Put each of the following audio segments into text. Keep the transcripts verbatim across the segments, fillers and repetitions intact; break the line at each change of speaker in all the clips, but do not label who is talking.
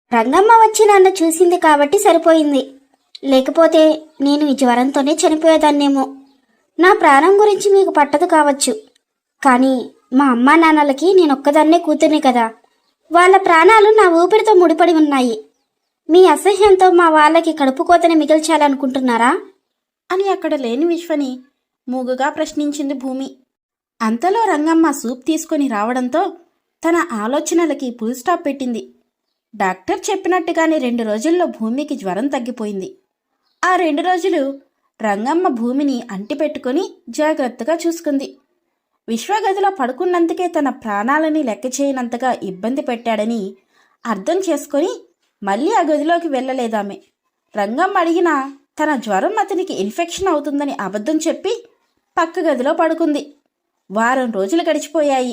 రంగమ్మ వచ్చి నన్ను చూసింది కాబట్టి సరిపోయింది. లేకపోతే నేను ఈ జ్వరంతోనే చనిపోయేదాన్నేమో. నా ప్రాణం గురించి మీకు పట్టదు కావచ్చు, కానీ మా అమ్మా నాన్నలకి నేనొక్కదాన్నే కూతుర్ని కదా. వాళ్ళ ప్రాణాలు నా ఊపిరితో ముడిపడి ఉన్నాయి. మీ అసహ్యంతో మా వాళ్ళకి కడుపు కోతని మిగిల్చాలనుకుంటున్నారా
అని అక్కడ లేని విశ్వని మూగుగా ప్రశ్నించింది భూమి. అంతలో రంగమ్మ సూప్ తీసుకొని రావడంతో తన ఆలోచనలకి ఫుల్ స్టాప్ పెట్టింది. డాక్టర్ చెప్పినట్టుగానే రెండు రోజుల్లో భూమికి జ్వరం తగ్గిపోయింది. ఆ రెండు రోజులు రంగమ్మ భూమిని అంటిపెట్టుకుని జాగ్రత్తగా చూసుకుంది. విశ్వగదిలో పడుకున్నందుకే తన ప్రాణాలని లెక్క చేయనంతగా ఇబ్బంది పెట్టాడని అర్థం చేసుకొని మళ్ళీ ఆ గదిలోకి వెళ్ళలేదామె. రంగమ్మ అడిగినా తన జ్వరం అతనికి ఇన్ఫెక్షన్ అవుతుందని అబద్ధం చెప్పి పక్క గదిలో పడుకుంది. వారం రోజులు గడిచిపోయాయి.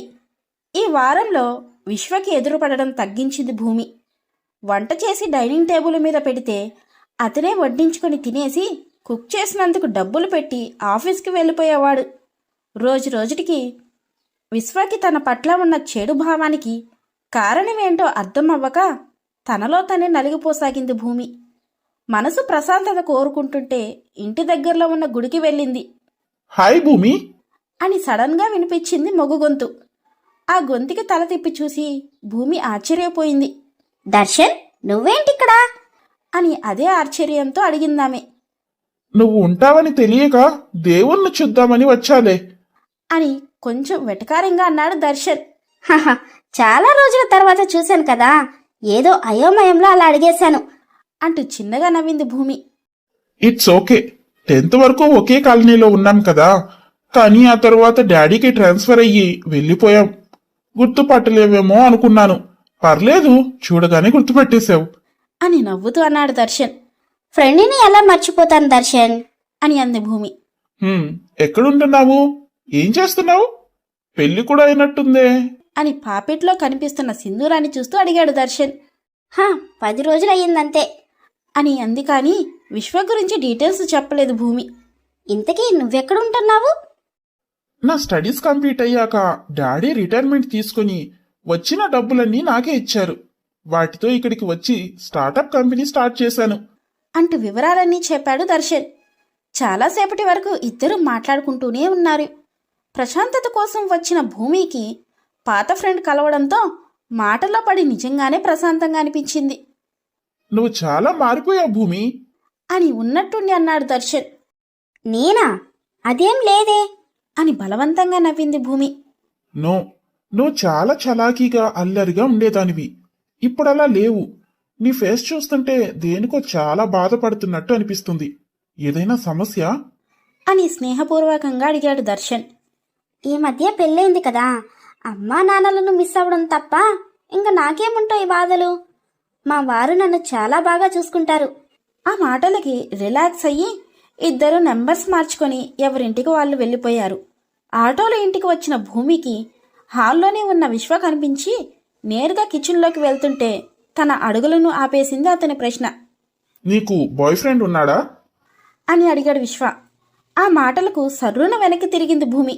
ఈ వారంలో విశ్వకి ఎదురుపడడం తగ్గించింది భూమి. వంట చేసి డైనింగ్ టేబుల్ మీద పెడితే అతనే వడ్డించుకొని తినేసి కుక్ చేసినందుకు డబ్బులు పెట్టి ఆఫీస్కి వెళ్ళిపోయేవాడు. రోజు రోజుటికి విశ్వకి తన పట్ల ఉన్న చెడు భావానికి కారణమేంటో అర్థం అవ్వక తనలో తనే నలిగిపోసాగింది భూమి. మనసు ప్రశాంతత కోరుకుంటుంటే ఇంటి దగ్గరలో ఉన్న గుడికి వెళ్ళింది.
హాయ్ భూమి
అని సడన్గా వినిపించింది మొగ్గు గొంతు. ఆ గొంతుకి తల తిప్పి చూసి భూమి ఆశ్చర్యపోయింది.
దర్శన్, నువ్వేంటిక్కడా
అని అదే ఆశ్చర్యంతో అడిగిందామె.
నువ్వు ఉంటావని తెలియక దేవుణ్ణి చూద్దామని వచ్చాలే
అని కొంచెం వెటకారంగా అన్నాడు దర్శన్.
హహ, చాలా రోజుల తర్వాత చూశాను కదా, ఏదో అయోమయంలో అలా అడిగేశాను
అంటూ చిన్నగా నవ్వింది భూమి.
It's okay. టెన్త్ వరకు ఒకే కాలనీలో ఉన్నాం కదా, కానీ ఆ తర్వాత డాడీకి ట్రాన్స్ఫర్ అయ్యి వెళ్ళిపోయాం. గుర్తుపట్టలేవేమో అనుకున్నాను. పర్లేదు, చూడగానే గుర్తుపట్టేశావు
అని నవ్వుతూ అన్నాడు దర్శన్.
ఫ్రెండ్ని ఎలా మర్చిపోతాను దర్శన్
అని అంది భూమి.
హ్మ్, ఎక్కడుంటున్నావు? ఏం చేస్తున్నావు? పెళ్లి కూడా అయినట్టుందే
అని పాపెట్లో కనిపిస్తున్న సింధూరాన్ని చూస్తూ అడిగాడు దర్శన్.
హా, పది రోజులయ్యిందంతే
అని అంది. కానీ విశ్వ గురించి డీటెయిల్స్ చెప్పలేదు భూమి.
ఇంతకీ నువ్వెక్కడుంటున్నావు?
నా స్టడీస్ కంప్లీట్ అయ్యాక డాడీ రిటైర్మెంట్ తీసుకుని వచ్చిన డబ్బులన్నీ నాకే ఇచ్చారు. వాటితో ఇక్కడికి వచ్చి స్టార్టప్ కంపెనీ స్టార్ట్ చేశాను
అంటూ వివరాలన్నీ చెప్పాడు దర్శన్. చాలాసేపటి వరకు ఇద్దరూ మాట్లాడుకుంటూనే ఉన్నారు. ప్రశాంతత కోసం వచ్చిన భూమికి పాత ఫ్రెండ్ కలవడంతో మాటల్లో పడి నిజంగానే ప్రశాంతంగా అనిపించింది.
నువ్వు చాలా మారిపోయావు భూమి
అని ఉన్నట్టుండి అన్నాడు దర్శన్.
నేనా? అదేం లేదే
అని బలవంతంగా నవ్వింది భూమి.
నో, నువ్వు చాలా చలాకీగా అల్లరిగా ఉండేదానివి. ఇప్పుడలా లేవు. నీ ఫేస్ చూస్తుంటే దేనికో చాలా బాధపడుతున్నట్టు అనిపిస్తుంది. ఏదైనా సమస్య
అని స్నేహపూర్వకంగా అడిగాడు దర్శన్.
ఈ మధ్య పెళ్ళైంది కదా, అమ్మా నాన్నలను మిస్ అవ్వడం తప్ప ఇంకా నాకేముంటాయి బాధలు. మా వారు నన్ను చాలా బాగా చూసుకుంటారు.
ఆ మాటలకి రిలాక్స్ అయ్యి ఇద్దరు నెంబర్స్ మార్చుకొని ఎవరింటికి వాళ్ళు వెళ్ళిపోయారు. ఆటోలో ఇంటికి వచ్చిన భూమికి హాల్లోనే ఉన్న విశ్వ కనిపించి నేరుగా కిచెన్లోకి వెళ్తుంటే తన అడుగులను ఆపేసింది అతని ప్రశ్న.
నీకు బాయ్ ఫ్రెండ్ ఉన్నాడా
అని అడిగాడు విశ్వ. ఆ మాటలకు సర్రున వెనక్కి తిరిగింది భూమి.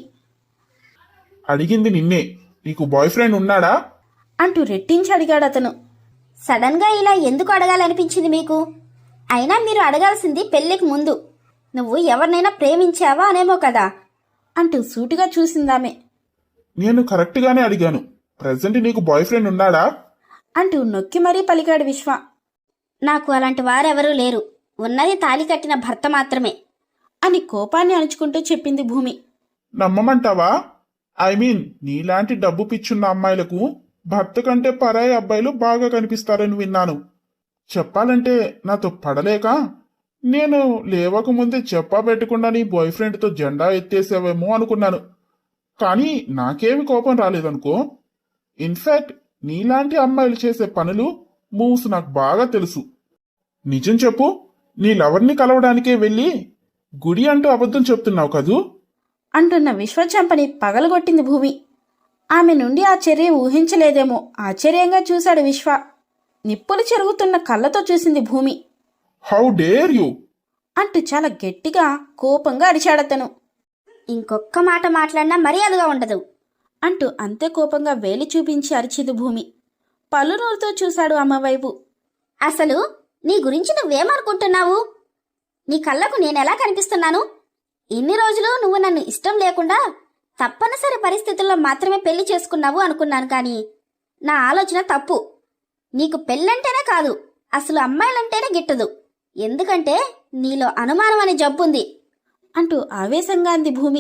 అడిగింది నిన్నే. నీకు బాయ్ ఫ్రెండ్ ఉన్నాడా
అంటూ రెట్టించి అడిగాడు అతను.
సడన్ గా ఇలా ఎందుకు అడగాలనిపించింది మీకు? అయినా మీరు అడగాల్సింది పెళ్లికి ముందు. నువ్వు ఎవరినైనా ప్రేమించావా అనేమో కదా
అంటూ సూటిగా చూసిందామె.
నేను కరెక్ట్గానే అడిగాను. ప్రెసెంట్ నీకు బాయ్ ఫ్రెండ్ ఉన్నాడా
అంటూ నొక్కి మరీ పలికాడు విశ్వ.
నాకు అలాంటి వారెవరూ లేరు. ఉన్నది తాళి కట్టిన భర్త మాత్రమే
అని కోపాన్ని అణుచుకుంటూ చెప్పింది భూమి.
నమ్మమంటావా? ఐ మీన్, నీలాంటి డబ్బు పిచ్చున్న అమ్మాయిలకు భర్త కంటే పరాయి అబ్బాయిలు బాగా కనిపిస్తారని విన్నాను. చెప్పాలంటే నాతో పడలేక నేను లేవకముందే చెప్పా పెట్టకుండా నీ బాయ్ ఫ్రెండ్తో జెండా ఎత్తేసావేమో అనుకున్నాను. కానీ నాకేమి కోపం రాలేదనుకో. ఇన్ఫాక్ట్ నీలాంటి అమ్మాయిలు చేసే పనులు, మూవ్స్ నాకు బాగా తెలుసు. నిజం చెప్పు, నీ లవర్ని కలవడానికే వెళ్ళి గుడి అంటూ అబద్ధం చెప్తున్నావు కదూ
అంటున్న విశ్వచంపని పగలగొట్టింది భూమి. ఆమె నుండి ఆ చర్య ఊహించలేదేమో ఆశ్చర్యంగా చూశాడు విశ్వ. నిప్పులు చెరుగుతున్న కళ్ళతో చూసింది భూమి.
హౌ డేర్ యూ
అంటూ చాలా గట్టిగా కోపంగా అరిచాడతను.
ఇంకొక్క మాట మాట్లాడినా మర్యాదగా ఉండదు
అంటూ అంతే కోపంగా వేలి చూపించి అరిచింది భూమి. పళ్ళు నూరుతో చూశాడు అమ్మ వైపు.
అసలు నీ గురించి నువ్వేమనుకుంటున్నావు? నీ కళ్ళకు నేనెలా కనిపిస్తున్నాను? ఇన్ని రోజులు నువ్వు నన్ను ఇష్టం లేకుండా తప్పనిసరి పరిస్థితుల్లో మాత్రమే పెళ్లి చేసుకున్నావు అనుకున్నాను, కానీ నా ఆలోచన తప్పు. నీకు పెళ్ళంటేనే కాదు, అసలు అమ్మాయిలంటేనే గిట్టదు. ఎందుకంటే నీలో అనుమానం అనే జబ్బుంది
అంటూ ఆవేశంగా అంది భూమి.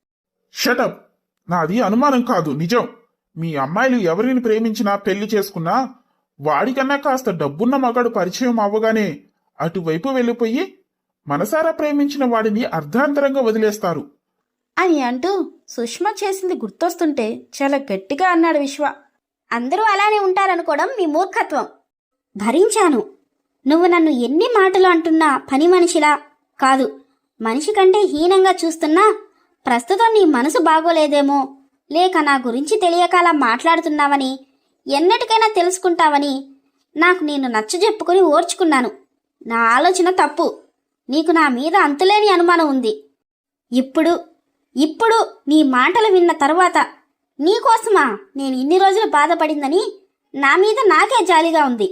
షటప్! నాది అనుమానం కాదు, నిజం. మీ అమ్మాయిలు ఎవరిని ప్రేమించినా పెళ్లి చేసుకున్నా వాడికన్నా కాస్త డబ్బున్న మగాడు పరిచయం అవ్వగానే అటువైపు వెళ్ళిపోయి మనసారా ప్రేమించిన వాడిని అర్ధాంతరంగా వదిలేస్తారు
అని అంటూ సుష్మ చేసింది గుర్తొస్తుంటే చాలా గట్టిగా అన్నాడు విశ్వ.
అందరూ అలానే ఉంటారనుకోవడం మీ మూర్ఖత్వం. భరించాను. నువ్వు నన్ను ఎన్ని మాటలు అంటున్నా పని మనిషిలా కాదు, మనిషి కంటే హీనంగా చూస్తున్నా ప్రస్తుతం నీ మనసు బాగోలేదేమో, లేక నా గురించి తెలియక అలా మాట్లాడుతున్నావని, ఎన్నటికైనా తెలుసుకుంటావని నాకు నేను నచ్చజెప్పుకుని ఓర్చుకున్నాను. నా ఆలోచన తప్పు. నీకు నా మీద అంతులేని అనుమానం ఉంది. ఇప్పుడు ఇప్పుడు నీ మాటలు విన్న తరువాత నీకోసమా నేను ఇన్ని రోజులు బాధపడిందని నా మీద నాకే జాలిగా ఉంది.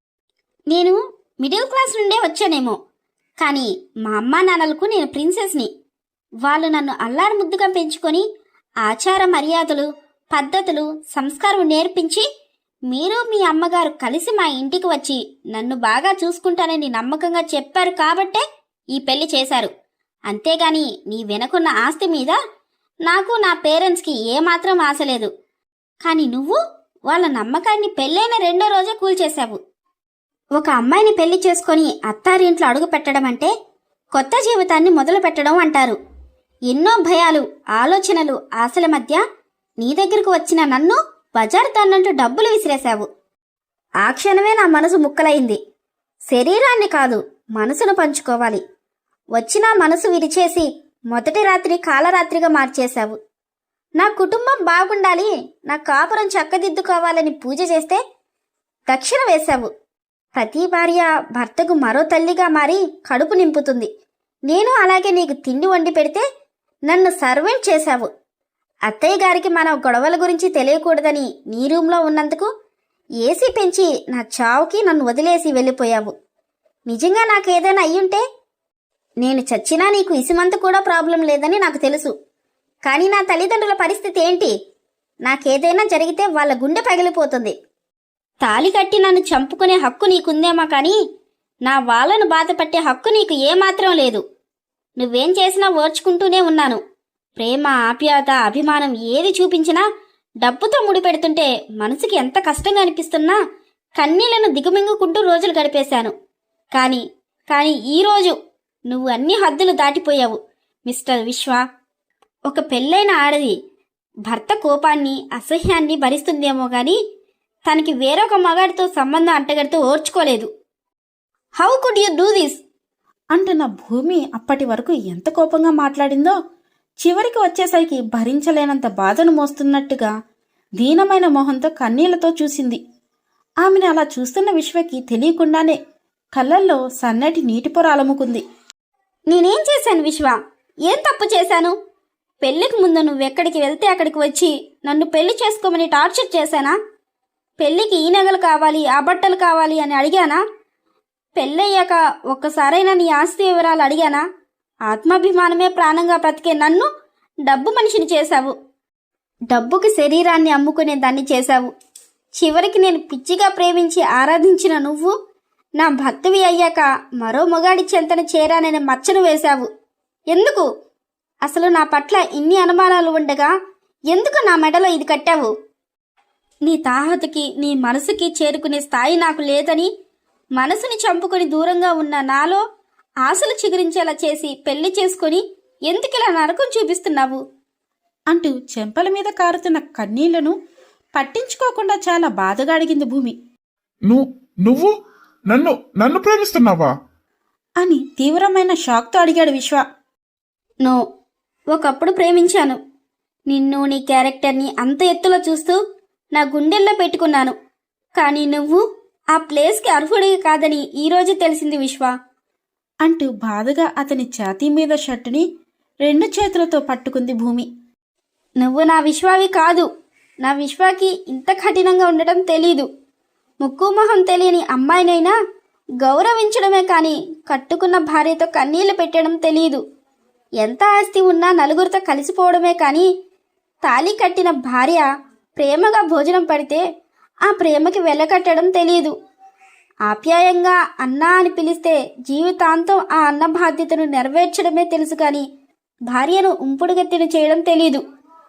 నేను మిడిల్ క్లాస్ నుండే వచ్చానేమో, కానీ మా అమ్మా నాన్నలకు నేను ప్రిన్సెస్ని. వాళ్ళు నన్ను అల్లారు ముద్దుగా పెంచుకొని ఆచార మర్యాదలు, పద్ధతులు, సంస్కారం నేర్పించి మీరు మీ అమ్మగారు కలిసి మా ఇంటికి వచ్చి నన్ను బాగా చూసుకుంటానని నమ్మకంగా చెప్పారు కాబట్టే ఈ పెళ్లి చేశారు. అంతేగాని నీ వెనకున్న ఆస్తి మీద నాకు నా పేరెంట్స్కి ఏమాత్రం ఆశ లేదు. కానీ నువ్వు వాళ్ళ నమ్మకాన్ని పెళ్ళైన రెండో రోజే కూల్చేశావు. ఒక అమ్మాయిని పెళ్లి చేసుకొని అత్తారింట్లో అడుగు పెట్టడం అంటే కొత్త జీవితాన్ని మొదలు పెట్టడం అంటారు. ఎన్నో భయాలు, ఆలోచనలు, ఆశల మధ్య నీ దగ్గరకు వచ్చిన నన్ను బజారు తన్నంటూ డబ్బులు విసిరేశావు. ఆ క్షణమే నా మనసు ముక్కలైంది. శరీరాన్ని కాదు, మనసును పంచుకోవాలి. వచ్చినా మనసు విరిచేసి మొదటి రాత్రి కాలరాత్రిగా మార్చేశావు. నా కుటుంబం బాగుండాలి, నా కాపురం చక్కదిద్దుకోవాలని పూజ చేస్తే దక్షిణ వేశావు. ప్రతి భార్య భర్తకు మరో తల్లిగా మారి కడుపు నింపుతుంది. నేను అలాగే నీకు తిండి వండి పెడితే నన్ను సర్వెంట్ చేశావు. అత్తయ్య గారికి మన గొడవల గురించి తెలియకూడదని నీ రూంలో ఉన్నందుకు ఏసీ పెంచి నా చావుకి నన్ను వదిలేసి వెళ్ళిపోయావు. నిజంగా నాకేదైనా అయ్యుంటే నేను చచ్చినా నీకు ఇసుమంత కూడా ప్రాబ్లం లేదని నాకు తెలుసు. కానీ నా తల్లిదండ్రుల పరిస్థితి ఏంటి? నాకేదైనా జరిగితే వాళ్ళ గుండె పగిలిపోతుంది. తాళి కట్టి నన్ను చంపుకునే హక్కు నీకుందేమో, కానీ నా వాళ్ళను బాధపట్టే హక్కు నీకు ఏమాత్రం లేదు. నువ్వేం చేసినా ఓర్చుకుంటూనే ఉన్నాను. ప్రేమ, ఆప్యాయత, అభిమానం ఏది చూపించినా డబ్బుతో ముడిపెడుతుంటే మనసుకి ఎంత కష్టంగా అనిపిస్తున్నా కన్నీళ్లను దిగుమింగుకుంటూ రోజులు గడిపేశాను. కానీ కానీ ఈరోజు నువ్వు అన్ని హద్దులు దాటిపోయావు మిస్టర్ విశ్వ. ఒక పెళ్ళైన ఆడది భర్త కోపాన్ని, అసహ్యాన్ని భరిస్తుందేమో గాని తనకి వేరొక మగాడితో సంబంధం అంటగడితో ఓర్చుకోలేదు. How could you do this?
అంటున్న భూమి అప్పటి వరకు ఎంత కోపంగా మాట్లాడిందో చివరికి వచ్చేసరికి భరించలేనంత బాధను మోస్తున్నట్టుగా దీనమైన మొహంతో కన్నీళ్లతో చూసింది. ఆమెను అలా చూస్తున్న విశ్వకి తెలియకుండానే కళ్ళల్లో సన్నటి నీటి పొర అలముకుంది.
నేనేం చేశాను విశ్వ? ఏం తప్పు చేశాను? పెళ్లికి ముందు నువ్వెక్కడికి వెళ్తే అక్కడికి వచ్చి నన్ను పెళ్లి చేసుకోమని టార్చర్ చేశానా? పెళ్లికి ఈ నగలు కావాలి, ఆ బట్టలు కావాలి అని అడిగానా? పెళ్ళయ్యాక ఒక్కసారైనా నీ ఆస్తి వివరాలు అడిగానా? ఆత్మాభిమానమే ప్రాణంగా బ్రతికే నన్ను డబ్బు మనిషిని చేశావు. డబ్బుకి శరీరాన్ని అమ్ముకునే దాన్ని చేశావు. చివరికి నేను పిచ్చిగా ప్రేమించి ఆరాధించిన నువ్వు నా భర్తవి అయ్యాక మరో మొగాడి చెంతన చేరాననే మచ్చను వేశావు. ఎందుకు? అసలు నా పట్ల ఇన్ని అనుమానాలు ఉండగా ఎందుకు నా మెడలో ఇది కట్టావు? నీ తాహతుకి, నీ మనసుకి చేరుకునే స్థాయి నాకు లేదని మనసుని చంపుకొని దూరంగా ఉన్న నాలో ఆశలు చిగురించేలా చేసి పెళ్లి చేసుకొని ఎందుకిలా నరకం చూపిస్తున్నావు?
అంటూ చెంపల మీద కారుతున్న కన్నీళ్లను పట్టించుకోకుండా చాలా బాధగా అడిగింది భూమి.
నువ్వు నువ్వు నన్ను నన్ను ప్రేమిస్తున్నావా
అని తీవ్రమైన షాక్తో అడిగాడు విశ్వ.
నో, ఒకప్పుడు ప్రేమించాను. నిన్ను, నీ క్యారెక్టర్ని అంత ఎత్తులో చూస్తూ నా గుండెల్లో పెట్టుకున్నాను. కానీ నువ్వు ఆ ప్లేస్కి అర్హుడివి కాదని ఈరోజు తెలిసింది విశ్వ.
అంటూ బాధగా అతని ఛాతీ మీద షర్టుని రెండు చేతులతో పట్టుకుంది భూమి.
నువ్వు నా విశ్వావి కాదు. నా విశ్వాకి ఇంత కఠినంగా ఉండటం తెలీదు. ముక్కు మొహం తెలియని అమ్మాయినైనా గౌరవించడమే కానీ కట్టుకున్న భార్యతో కన్నీళ్లు పెట్టడం తెలియదు. ఎంత ఆస్తి ఉన్నా నలుగురితో కలిసిపోవడమే కానీ తాళి కట్టిన భార్య ప్రేమగా భోజనం పడితే ఆ ప్రేమకి వెలకట్టడం తెలియదు. ఆప్యాయంగా అన్నా అని పిలిస్తే జీవితాంతం ఆ అన్న బాధ్యతను నెరవేర్చడమే తెలుసు కానీ భార్యను ఉంపుడుగత్తిన చేయడం తెలీదు.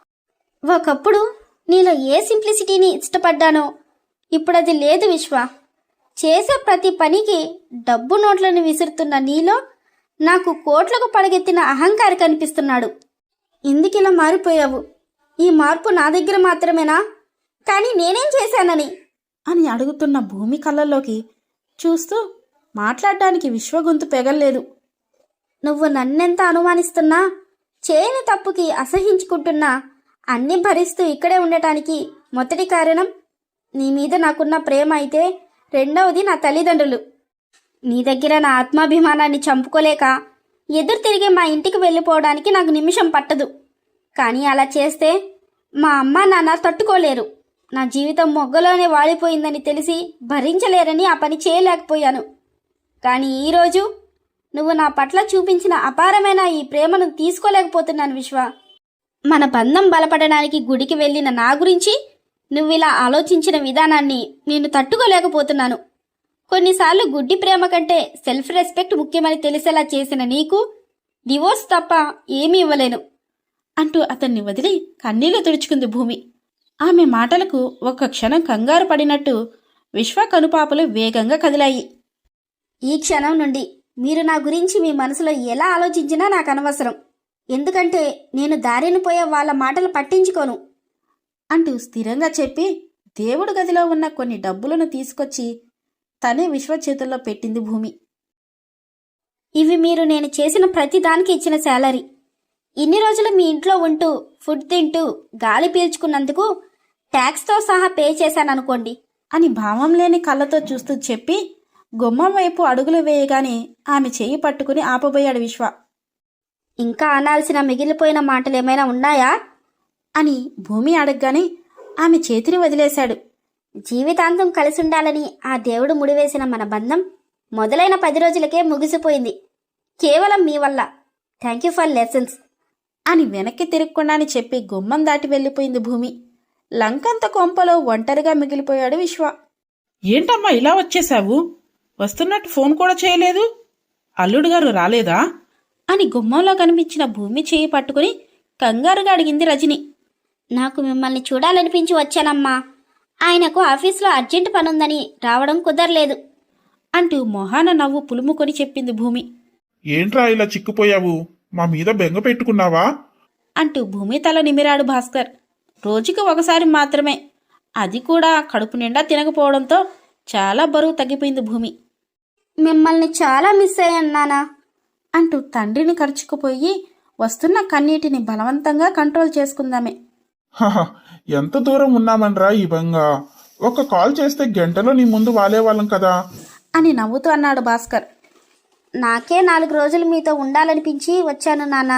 ఒకప్పుడు నీలో ఏ సింప్లిసిటీని ఇష్టపడ్డానో ఇప్పుడది లేదు విశ్వ. చేసే ప్రతి పనికి డబ్బు నోట్లను విసురుతున్న నీలో నాకు కోట్లకు పడగెత్తిన అహంకారి కనిపిస్తున్నాడు. ఎందుకిలా మారిపోయావు? ఈ మార్పు నా దగ్గర మాత్రమేనా? కానీ నేనేం చేశానని
అని అడుగుతున్న భూమి కళ్ళల్లోకి చూస్తూ మాట్లాడడానికి విశ్వ గొంతు పెగల్లేదు.
నువ్వు నన్నెంత అనుమానిస్తున్నా, చేయని తప్పుకి అసహించుకుంటున్నా అన్నీ భరిస్తూ ఇక్కడే ఉండటానికి మొదటి కారణం నీ మీద నాకున్న ప్రేమ అయితే రెండవది నా తల్లిదండ్రులు. నీ దగ్గర నా ఆత్మాభిమానాన్ని చంపుకోలేక ఎదురు తిరిగి మా ఇంటికి వెళ్ళిపోవడానికి నాకు నిమిషం పట్టదు. కానీ అలా చేస్తే మా అమ్మ నాన్న తట్టుకోలేరు. నా జీవితం మొగ్గలోనే వాడిపోయిందని తెలిసి భరించలేరని ఆ పని చేయలేకపోయాను. కానీ ఈరోజు నువ్వు నా పట్ల చూపించిన అపారమైన ఈ ప్రేమను తీసుకోలేకపోతున్నాను విశ్వ. మన బంధం బలపడడానికి గుడికి వెళ్ళిన నా గురించి నువ్విలా ఆలోచించిన విధానాన్ని నేను తట్టుకోలేకపోతున్నాను. కొన్నిసార్లు గుడ్డి ప్రేమ కంటే సెల్ఫ్ రెస్పెక్ట్ ముఖ్యమని తెలిసేలా చేసిన నీకు డివోర్స్ తప్ప ఏమీ ఇవ్వలేను
అంటూ అతన్ని వదిలి కన్నీళ్లు తుడుచుకుంది భూమి. ఆమె మాటలకు ఒక్క క్షణం కంగారు పడినట్టు విశ్వ కనుపాపలు వేగంగా కదిలాయి.
ఈ క్షణం నుండి మీరు నా గురించి మీ మనసులో ఎలా ఆలోచించినా నాకు అనవసరం. ఎందుకంటే నేను దారిని పోయే వాళ్ళ మాటలు పట్టించుకోను
అంటూ స్థిరంగా చెప్పి దేవుడు గదిలో ఉన్న కొన్ని డబ్బులను తీసుకొచ్చి తనే విశ్వ చేతుల్లో పెట్టింది భూమి.
ఇవి మీరు నేను చేసిన ప్రతి దానికి ఇచ్చిన శాలరీ. ఇన్ని రోజులు మీ ఇంట్లో ఉంటూ ఫుడ్ తింటూ గాలి పీల్చుకున్నందుకు ట్యాక్స్తో సహా పే చేశాననుకోండి
అని భావం లేని కళ్ళతో చూస్తూ చెప్పి గుమ్మం వైపు అడుగులు వేయగానే ఆమె చెయ్యి పట్టుకుని ఆపబోయాడు విశ్వ.
ఇంకా అనాల్సిన మిగిలిపోయిన మాటలేమైనా ఉన్నాయా
అని భూమి అడగగానే ఆమె చేతిని వదిలేశాడు.
జీవితాంతం కలిసుండాలని ఆ దేవుడు ముడివేసిన మన బంధం మొదలైన పది రోజులకే ముగిసిపోయింది. కేవలం మీ వల్ల. థ్యాంక్ యూ ఫర్ లెసన్స్
అని వెనక్కి తిరగకుండాని చెప్పి గుమ్మం దాటి వెళ్ళిపోయింది భూమి. లంకంత కొంపలో ఒంటరిగా మిగిలిపోయాడు విశ్వ.
ఏంటమ్మా ఇలా వచ్చేశావు? వస్తున్నట్టు ఫోన్ కూడా చేయలేదు. అల్లుడు గారు రాలేదా
అని గుమ్మంలో కనిపించిన భూమి చేయి పట్టుకుని కంగారుగా అడిగింది రజని.
నాకు మిమ్మల్ని చూడాలనిపించి వచ్చానమ్మా. ఆయనకు ఆఫీసులో అర్జెంట్ పనుందని రావడం కుదరలేదు
అంటూ మొహాన నవ్వు పులుముకొని చెప్పింది భూమి.
ఏంట్రా ఇలా చిక్కుపోయావు? మా మీద బెంగ పెట్టుకున్నావా?
అంటూ భూమి తల నిమిరాడు భాస్కర్. రోజుకి ఒకసారి మాత్రమే, అది కూడా కడుపు నిండా తినకపోవడంతో చాలా బరువు తగ్గిపోయింది భూమి.
మిమ్మల్ని చాలా మిస్ అయ్యాను నానా
అంటూ తండ్రిని ఖర్చుకుపోయి వస్తున్న కన్నీటిని బలవంతంగా కంట్రోల్ చేసుకుందామే.
హహ, ఎంత దూరం ఉన్నామనరా ఈ బెంగ? ఒక కాల్ చేస్తే గంటలో నీ ముందు వాలేవాళ్ళం కదా
అని నవ్వుతూ అన్నాడు భాస్కర్.
నాకే నాలుగు రోజులు మీతో ఉండాలనిపించి వచ్చాను నానా.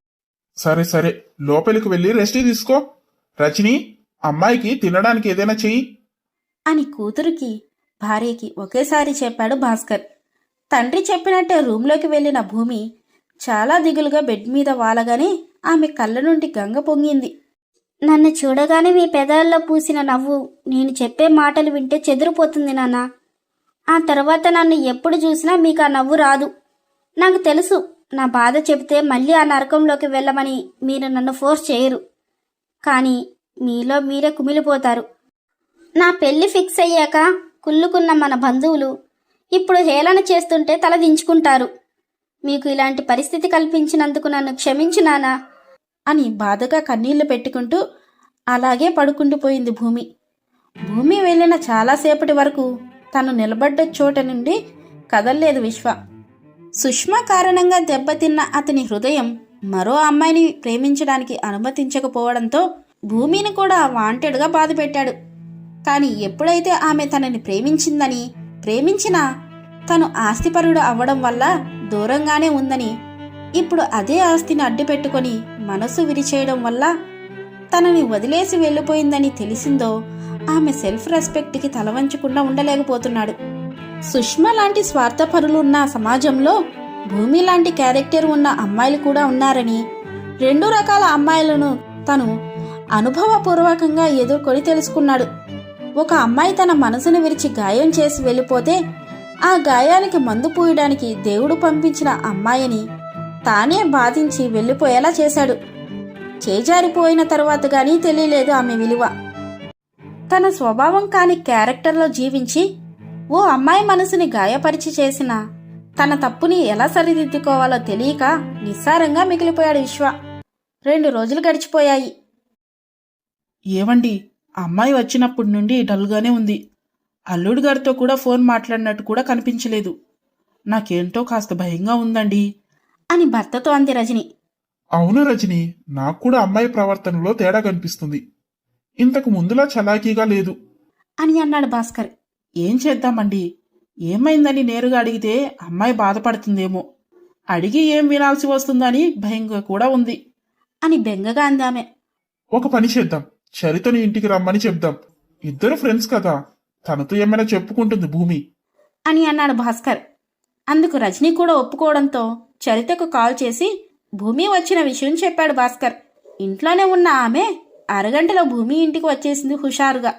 సరే సరే, లోపలికి వెళ్ళి రెస్ట్ తీసుకో. రజని, అమ్మాయికి తినడానికి ఏదైనా చెయ్యి
అని కూతురికి భార్యకి ఒకేసారి చెప్పాడు భాస్కర్. తండ్రి చెప్పినట్టే రూంలోకి వెళ్లిన భూమి చాలా దిగులుగా బెడ్ మీద వాలగానే ఆమె కళ్ళ నుండి గంగ పొంగింది.
నన్ను చూడగానే మీ పెదాల్లో పూసిన నవ్వు నేను చెప్పే మాటలు వింటే చెదిరిపోతుంది నాన్న. ఆ తర్వాత నన్ను ఎప్పుడు చూసినా మీకు ఆ నవ్వు రాదు. నాకు తెలుసు, నా బాధ చెబితే మళ్ళీ ఆ నరకంలోకి వెళ్ళమని మీరు నన్ను ఫోర్స్ చేయరు. కానీ మీలో మీరే కుమిలిపోతారు. నా పెళ్లి ఫిక్స్ అయ్యాక కుళ్ళుకున్న మన బంధువులు ఇప్పుడు హేళన చేస్తుంటే తల దించుకుంటారు. మీకు ఇలాంటి పరిస్థితి కల్పించినందుకు నన్ను క్షమించు నానా
అని బాధగా కన్నీళ్లు పెట్టుకుంటూ అలాగే పడుకుండిపోయింది భూమి. భూమి వెళ్ళిన చాలాసేపటి వరకు తను నిలబడ్డ చోట నుండి కదల్లేదు విశ్వ. సుష్మా కారణంగా దెబ్బతిన్న అతని హృదయం మరో అమ్మాయిని ప్రేమించడానికి అనుమతించకపోవడంతో భూమిని కూడా వాంటెడ్గా బాధపెట్టాడు. కానీ ఎప్పుడైతే ఆమె తనని ప్రేమించిందని, ప్రేమించినా తను ఆస్తిపరుడు అవ్వడం వల్ల దూరంగానే ఉందని, ఇప్పుడు అదే ఆస్తిని అడ్డుపెట్టుకొని మనసు విరిచేయడం వల్ల తనని వదిలేసి వెళ్ళిపోయిందని తెలిసిందో ఆమె సెల్ఫ్ రెస్పెక్ట్కి తలవంచకుండా ఉండలేకపోతున్నాడు. సుష్మా లాంటి స్వార్థపరులు ఉన్న సమాజంలో భూమి లాంటి క్యారెక్టర్ ఉన్న అమ్మాయిలు కూడా ఉన్నారని, రెండు రకాల అమ్మాయిలను తను అనుభవపూర్వకంగా ఎదుర్కొని తెలుసుకున్నాడు. ఒక అమ్మాయి తన మనసును విరిచి గాయం చేసి వెళ్ళిపోతే ఆ గాయానికి మందు పూయడానికి దేవుడు పంపించిన అమ్మాయిని తానే బాధించి వెళ్ళిపోయేలా చేశాడు. చేజారిపోయిన తరువాత గానీ తెలియలేదు ఆమె విలువ. తన స్వభావం కాని క్యారెక్టర్లో జీవించి ఓ అమ్మాయి మనసుని గాయపరిచి చేసిన తన తప్పుని ఎలా సరిదిద్దుకోవాలో తెలియక నిస్సారంగా మిగిలిపోయాడు విశ్వ. రెండు రోజులు గడిచిపోయాయి.
ఏవండి, అమ్మాయి వచ్చినప్పటి నుండి డల్గానే ఉంది. అల్లుడు గారితో కూడా ఫోన్ మాట్లాడినట్టు కూడా కనిపించలేదు. నాకేంటో కాస్త భయంగా ఉందండి
అని భర్తతో అంది రజని.
అవును రజని, నాకు కూడా అమ్మాయి ప్రవర్తనలో తేడా కనిపిస్తుంది. ఇంతకు ముందులా చలాకీగా లేదు
అని అన్నాడు భాస్కర్.
ఏం చేద్దామండి? ఏమైందని నేరుగా అడిగితే అమ్మాయి బాధపడుతుందేమో, అడిగి ఏం వినాల్సి వస్తుందని భయంగా కూడా ఉంది
అని బెంగగా అందామె.
ఒక పని చేద్దాం, చరితని ఇంటికి రమ్మని చెప్దాం. ఇద్దరు ఫ్రెండ్స్ కదా, తనతో ఏమైనా చెప్పుకుంటుంది భూమి
అని అన్నాడు భాస్కర్. అందుకు రజని కూడా ఒప్పుకోవడంతో చరితకు కాల్ చేసి భూమి వచ్చిన విషయం చెప్పాడు భాస్కర్. ఇంట్లోనే ఉన్న ఆమె అరగంటలో భూమి ఇంటికి వచ్చేసింది హుషారుగా.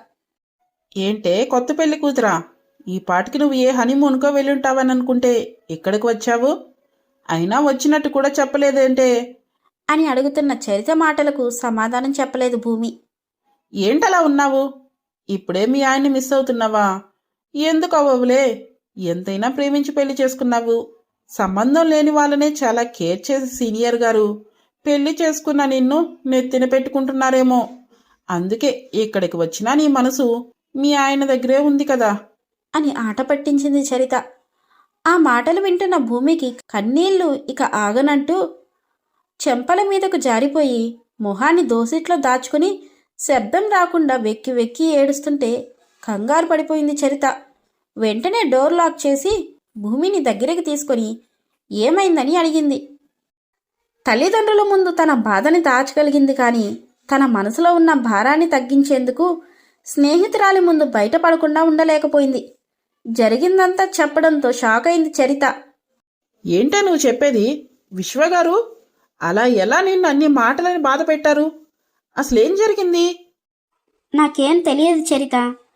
ఏంటే కొత్త పెళ్లి కూతురా, ఈ పాటికి నువ్వు ఏ హనీమూన్కో వెళ్ళుంటావని అనుకుంటే ఇక్కడికి వచ్చావు? అయినా వచ్చినట్టు కూడా చెప్పలేదేంటే
అని అడుగుతున్న చరిత మాటలకు సమాధానం చెప్పలేదు భూమి.
ఏంటలా ఉన్నావు? ఇప్పుడే మీ ఆయన్ని మిస్ అవుతున్నావా? ఎందుకు అవ్వవులే, ఎంతైనా ప్రేమించి పెళ్లి చేసుకున్నావు. సంబంధం లేని వాళ్ళనే చాలా కేర్ చేసి సీనియర్ గారు పెళ్లి చేసుకున్న నిన్ను నెత్తిన పెట్టుకుంటున్నారేమో. అందుకే ఇక్కడికి వచ్చినా నీ మనసు మీ ఆయన దగ్గరే ఉంది కదా
అని ఆట పట్టించింది చరిత. ఆ మాటలు వింటున్న భూమికి కన్నీళ్లు ఇక ఆగనంటూ చెంపల మీదకు జారిపోయి మొహాన్ని దోసిట్లో దాచుకుని శబ్దం రాకుండా వెక్కి వెక్కి ఏడుస్తుంటే కంగారు పడిపోయింది చరిత. వెంటనే డోర్ లాక్ చేసి భూమిని దగ్గరికి తీసుకొని ఏమైందని అడిగింది. తల్లిదండ్రుల ముందు తన బాధని దాచగలిగింది కానీ తన మనసులో ఉన్న భారాన్ని తగ్గించేందుకు స్నేహితురాలి ముందు బయటపడకుండా ఉండలేకపోయింది. జరిగిందంతా చెప్పడంతో షాక్ అయింది చరిత.
ఏంటో నువ్వు చెప్పేది? విశ్వగారు అలా ఎలా నిన్ను అన్ని మాటలని బాధ పెట్టారు? అసలేం జరిగింది?
నాకేం తెలియదు చరిత,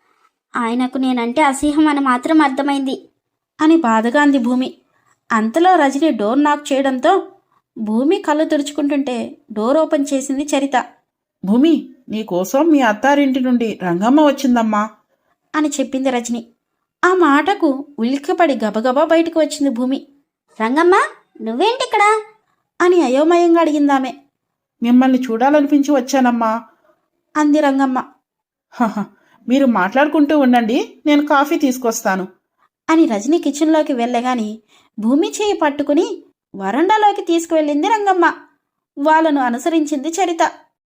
ఆయనకు నేనంటే అసహ్యం అని మాత్రం అర్థమైంది
అని బాధగా అంది భూమి. అంతలో రజని డోర్ నాక్ చేయడంతో భూమి కళ్ళు తుడుచుకుంటుంటే డోర్ ఓపెన్ చేసింది చరిత.
భూమి, నీకోసం మీ అత్తారింటి నుండి రంగమ్మ వచ్చిందమ్మా
అని చెప్పింది రజని. ఆ మాటకు ఉలిక్కిపడి గబగబా బయటకు వచ్చింది భూమి.
రంగమ్మ, నువ్వేంటిక్కడ
అని అయోమయంగా అడిగిందామె.
మిమ్మల్ని చూడాలనిపించి వచ్చానమ్మా
అంది రంగమ్మ.
హహ, మీరు మాట్లాడుకుంటూ ఉండండి, నేను కాఫీ తీసుకొస్తాను
అని రజని కిచెన్లోకి వెళ్ళగాని భూమి చేయి పట్టుకుని వరండాలోకి తీసుకువెళ్ళింది రంగమ్మ. వాళ్ళను అనుసరించింది చరిత.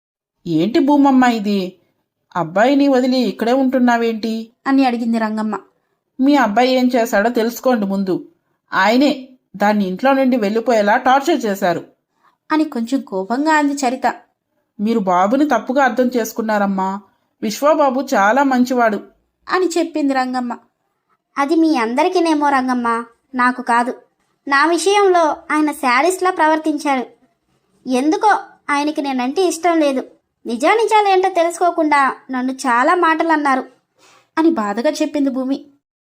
ఏంటి భూమమ్మ ఇది? అబ్బాయిని వదిలి ఇక్కడే ఉంటున్నావేంటి
అని అడిగింది రంగమ్మ.
మీ అబ్బాయి ఏం చేశాడో తెలుసుకోండి ముందు. ఆయనే దాన్ని ఇంట్లో నుండి వెళ్ళిపోయేలా టార్చర్ చేశారు
అని కొంచెం కోపంగా అంది చరిత.
మీరు బాబుని తప్పుగా అర్థం చేసుకున్నారమ్మా. విశ్వబాబు చాలా మంచివాడు
అని చెప్పింది రంగమ్మ.
అది మీ అందరికీనేమో రంగమ్మ, నాకు కాదు. నా విషయంలో ఆయన శాడిస్ట్లా ప్రవర్తించారు. ఎందుకో ఆయనకి నేనంటే ఇష్టం లేదు. నిజానిజాలు ఏంటో తెలుసుకోకుండా నన్ను చాలా మాటలు అన్నారు
అని బాధగా చెప్పింది భూమి.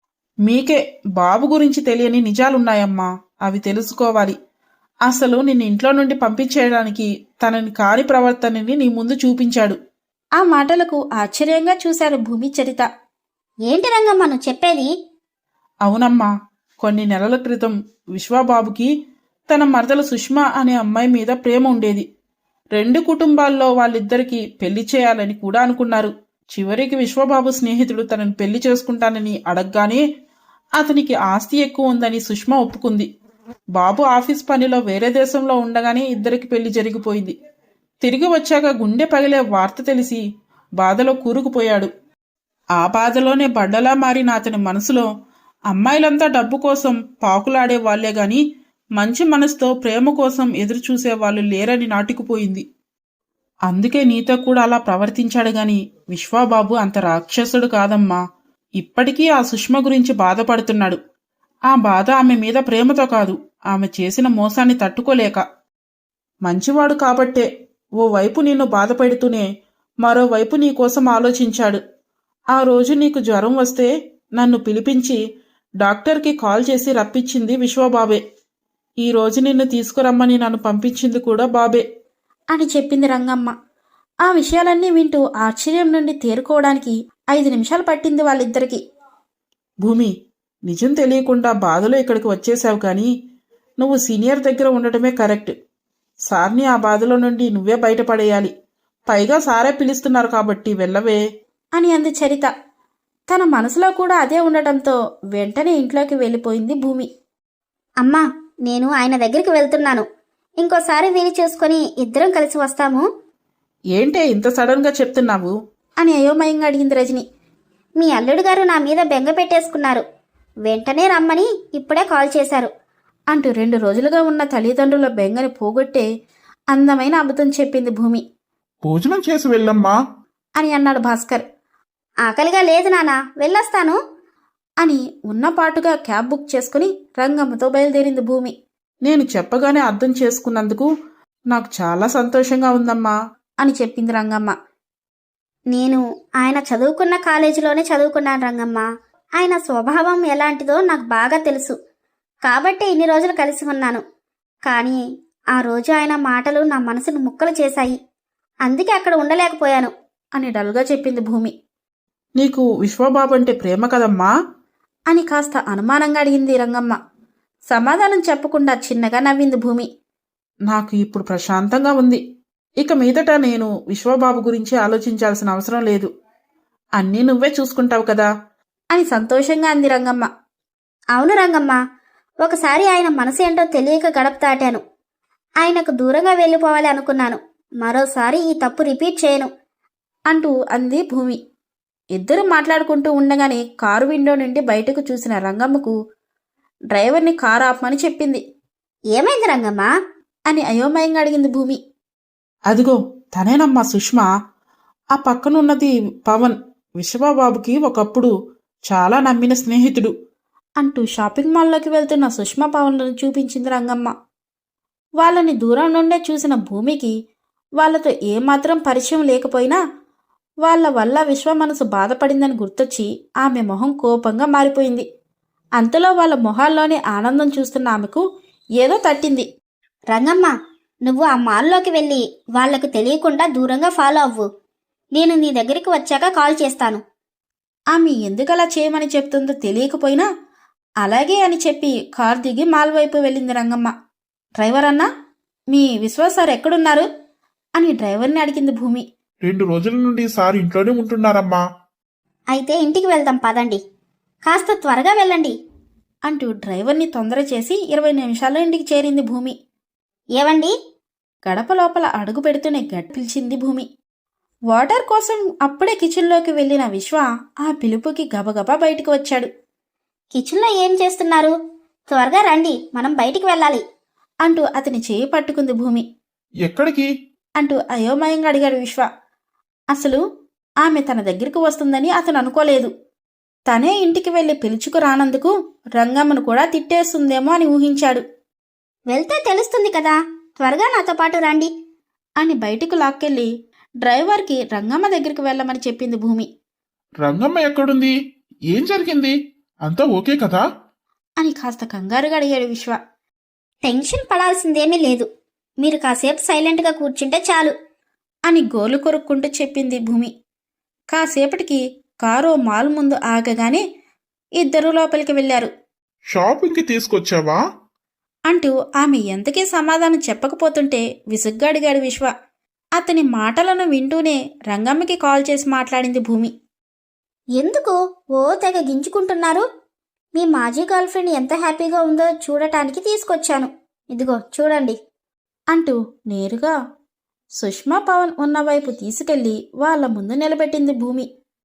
మీకే బాబు గురించి తెలియని నిజాలున్నాయమ్మా, అవి తెలుసుకోవాలి. అసలు నిన్ను ఇంట్లో నుండి పంపించేయడానికి తనని కాని ప్రవర్తనని నీ ముందు చూపించాడు.
ఆ మాటలకు ఆశ్చర్యంగా చూశారు భూమి చరిత.
ఏంటి రంగమ్మ నువ్వు చెప్పేది?
అవునమ్మా, కొన్ని నెలల క్రితం విశ్వబాబుకి తన మరదలు సుష్మా అనే అమ్మాయి మీద ప్రేమ ఉండేది. రెండు కుటుంబాల్లో వాళ్ళిద్దరికీ పెళ్లి చేయాలని కూడా అనుకున్నారు. చివరికి విశ్వబాబు స్నేహితుడు తనని పెళ్లి చేసుకుంటానని అడగగానే అతనికి ఆస్తి ఎక్కువ ఉందని సుష్మా ఒప్పుకుంది. బాబు ఆఫీస్ పనిలో వేరే దేశంలో ఉండగానే ఇద్దరికి పెళ్లి జరిగిపోయింది. తిరిగి వచ్చాక గుండె పగిలే వార్త తెలిసి బాధలో కూరుకుపోయాడు. ఆ బాధలోనే బండలా మారిన అతని మనసులో అమ్మాయిలంతా డబ్బు కోసం పాకులాడే వాళ్లే గాని మంచి మనసుతో ప్రేమ కోసం ఎదురు చూసే వాళ్ళు లేరని నాటుకుపోయింది. అందుకే నీతో కూడా అలా ప్రవర్తించాడు గాని విశ్వాబాబు అంత రాక్షసుడు కాదమ్మా. ఇప్పటికీ ఆ సుష్మ గురించి బాధపడుతున్నాడు. ఆ బాధ ఆమె మీద ప్రేమతో కాదు, ఆమె చేసిన మోసాన్ని తట్టుకోలేక. మంచివాడు కాబట్టే ఓవైపు నిన్ను బాధపెడుతూనే మరోవైపు నీకోసం ఆలోచించాడు. ఆ రోజు నీకు జ్వరం వస్తే నన్ను పిలిపించి డాక్టర్కి కాల్ చేసి రప్పించింది విశ్వబాబే. ఈ రోజు నిన్ను తీసుకురమ్మని నన్ను పంపించింది కూడా బాబే
అని చెప్పింది రంగమ్మ. ఆ విషయాలన్నీ వింటూ ఆశ్చర్యం నుండి తేరుకోవడానికి ఐదు నిమిషాలు పట్టింది వాళ్ళిద్దరికీ.
భూమి, నిజం తెలియకుండా బాధలో ఇక్కడికి వచ్చేసావు కానీ నువ్వు సీనియర్ దగ్గర ఉండటమే కరెక్ట్. సార్ని ఆ బాధలో నుండి నువ్వే బయటపడేయాలి. పైగా సారే పిలుస్తున్నారు కాబట్టి వెళ్ళవే
అని అంది చరిత. తన మనసులో కూడా అదే ఉండటంతో వెంటనే ఇంట్లోకి వెళ్ళిపోయింది భూమి.
అమ్మా, నేను ఆయన దగ్గరికి వెళ్తున్నాను. ఇంకోసారి వీలు చేసుకొని ఇద్దరం కలిసి వస్తాము.
ఏంటే ఇంత సడన్ గా చెప్తున్నావు
అని అయోమయంగా అడిగింది రజని.
మీ అల్లుడు గారు నా మీద బెంగ పెట్టేసుకున్నారు. వెంటనే రమ్మని ఇప్పుడే కాల్ చేశారు
అంటూ రెండు రోజులుగా ఉన్న తల్లిదండ్రుల బెంగని పోగొట్టే అందమైన అబద్ధం చెప్పింది భూమి.
భోజనం చేసి వెళ్ళమ్మా
అని అన్నాడు భాస్కర్.
ఆకలిగా లేదు నానా, వెళ్ళొస్తాను
అని ఉన్నపాటుగా క్యాబ్ బుక్ చేసుకుని రంగమ్మతో బయలుదేరింది భూమి.
నేను చెప్పగానే అర్థం చేసుకున్నందుకు నాకు చాలా సంతోషంగా ఉందమ్మా
అని చెప్పింది రంగమ్మ.
నేను ఆయన చదువుకున్న కాలేజీలోనే చదువుకున్నాను రంగమ్మ. ఆయన స్వభావం ఎలాంటిదో నాకు బాగా తెలుసు కాబట్టి ఇన్ని రోజులు కలిసి ఉన్నాను. కానీ ఆ రోజు ఆయన మాటలు నా మనసును ముక్కలు చేశాయి. అందుకే అక్కడ ఉండలేకపోయాను
అని డల్గా చెప్పింది భూమి.
నీకు విశ్వబాబు అంటే ప్రేమ కదమ్మా
అని కాస్త అనుమానంగా అడిగింది రంగమ్మ. సమాధానం చెప్పకుండా చిన్నగా నవ్వింది భూమి.
నాకు ఇప్పుడు ప్రశాంతంగా ఉంది. ఇక మీదట నేను విశ్వబాబు గురించి ఆలోచించాల్సిన అవసరం లేదు. అన్నీ నువ్వే చూసుకుంటావు కదా
అని సంతోషంగా అంది రంగమ్మ.
అవును రంగమ్మ, ఒకసారి ఆయన మనసు ఏంటో తెలియక గడప దాటాను. ఆయనకు దూరంగా వెళ్ళిపోవాలి అనుకున్నాను. మరోసారి ఈ తప్పు రిపీట్ చేయను
అంటూ అంది భూమి. ఇద్దరు మాట్లాడుకుంటూ ఉండగానే కారు విండో నుండి బయటకు చూసిన రంగమ్మకు డ్రైవర్ని కారు ఆపమని చెప్పింది.
ఏమైంది రంగమ్మ
అని అయోమయంగా అడిగింది భూమి.
అదిగో తనేనమ్మా సుష్మా. ఆ పక్కనున్నది పవన్, విశ్వబాబుకి ఒకప్పుడు చాలా నమ్మిన స్నేహితుడు
అంటూ షాపింగ్ మాల్లోకి వెళ్తున్న సుష్మా పవన్లను చూపించింది రంగమ్మ. వాళ్ళని దూరం నుండే చూసిన భూమికి వాళ్లతో ఏమాత్రం పరిచయం లేకపోయినా వాళ్ల వల్ల విశ్వ మనసు బాధపడిందని గుర్తొచ్చి ఆమె మొహం కోపంగా మారిపోయింది. అంతలో వాళ్ళ మొహాల్లోని ఆనందం చూస్తున్న ఆమెకు ఏదో తట్టింది.
రంగమ్మ, నువ్వు ఆ మాల్లోకి వెళ్ళి వాళ్లకు తెలియకుండా దూరంగా ఫాలో అవ్వు. నేను నీ దగ్గరికి వచ్చాక కాల్ చేస్తాను.
ఆమె ఎందుకలా చేయమని చెప్తుందో తెలియకపోయినా అలాగే అని చెప్పి కార్ దిగి మాల్ వైపు వెళ్ళింది రంగమ్మ. డ్రైవర్ అన్నా, మీ విశ్వ సార్ ఎక్కడున్నారు అని డ్రైవర్ని అడిగింది భూమి.
రెండు రోజుల నుండి సార్ ఇంట్లోనే ఉంటున్నారమ్మా.
అయితే ఇంటికి వెళ్దాం పదండి. కాస్త త్వరగా వెళ్ళండి
అంటూ డ్రైవర్ని తొందర చేసి ఇరవై నిమిషాల్లో ఇంటికి చేరింది భూమి.
ఏవండి,
గడప లోపల అడుగు పెడుతూనే గట్టి పిలిచింది భూమి. వాటర్ కోసం అప్పుడే కిచెన్లోకి వెళ్లిన విశ్వ ఆ పిలుపుకి గబగబా బయటికి వచ్చాడు.
కిచెన్లో ఏం చేస్తున్నారు? త్వరగా రండి, మనం బయటికి వెళ్ళాలి
అంటూ అతని చేయి పట్టుకుంది భూమి.
ఎక్కడికి
అంటూ అయోమయంగా అడిగాడు విశ్వ. అసలు ఆమె తన దగ్గరికి వస్తుందని అతను అనుకోలేదు. తనే ఇంటికి వెళ్లి పిలుచుకు రానందుకు రంగమ్మను కూడా తిట్టేస్తుందేమో అని ఊహించాడు.
వెళ్తే తెలుస్తుంది కదా, త్వరగా నాతో పాటు రండి
అని బయటకు లాక్కెళ్లి డ్రైవర్కి రంగమ్మ దగ్గరికి వెళ్ళమని చెప్పింది భూమి.
రంగమ్మ ఎక్కడుంది? ఏం జరిగింది? అంతా ఓకే కదా
అని కాస్త కంగారుగా అడిగాడు విశ్వ.
టెన్షన్ పడాల్సిందేమీ లేదు. మీరు కాసేపు సైలెంట్గా కూర్చుంటే చాలు
అని గోలు కొరుక్కుంటూ చెప్పింది భూమి. కాసేపటికి కారు మాల్ ముందు ఆగగానే ఇద్దరూ లోపలికి వెళ్లారు.
షాపింగ్కి తీసుకొచ్చావా
అంటూ ఆమె ఎంతకీ సమాధానం చెప్పకపోతుంటే విసుగ్గా అడిగాడు విశ్వ. అతని మాటలను వింటూనే రంగమ్మకి కాల్ చేసి మాట్లాడింది భూమి.
ఎందుకు ఓ తెగ గింజుకుంటున్నారు? మీ మాజీ గర్ల్ ఫ్రెండ్ ఎంత హ్యాపీగా ఉందో చూడటానికి తీసుకొచ్చాను. ఇదిగో చూడండి
అంటూ నేరుగా సుష్మా పవన్ ఉన్న వైపు తీసుకెళ్లి వాళ్ల ముందు నిలబెట్టింది భూమి.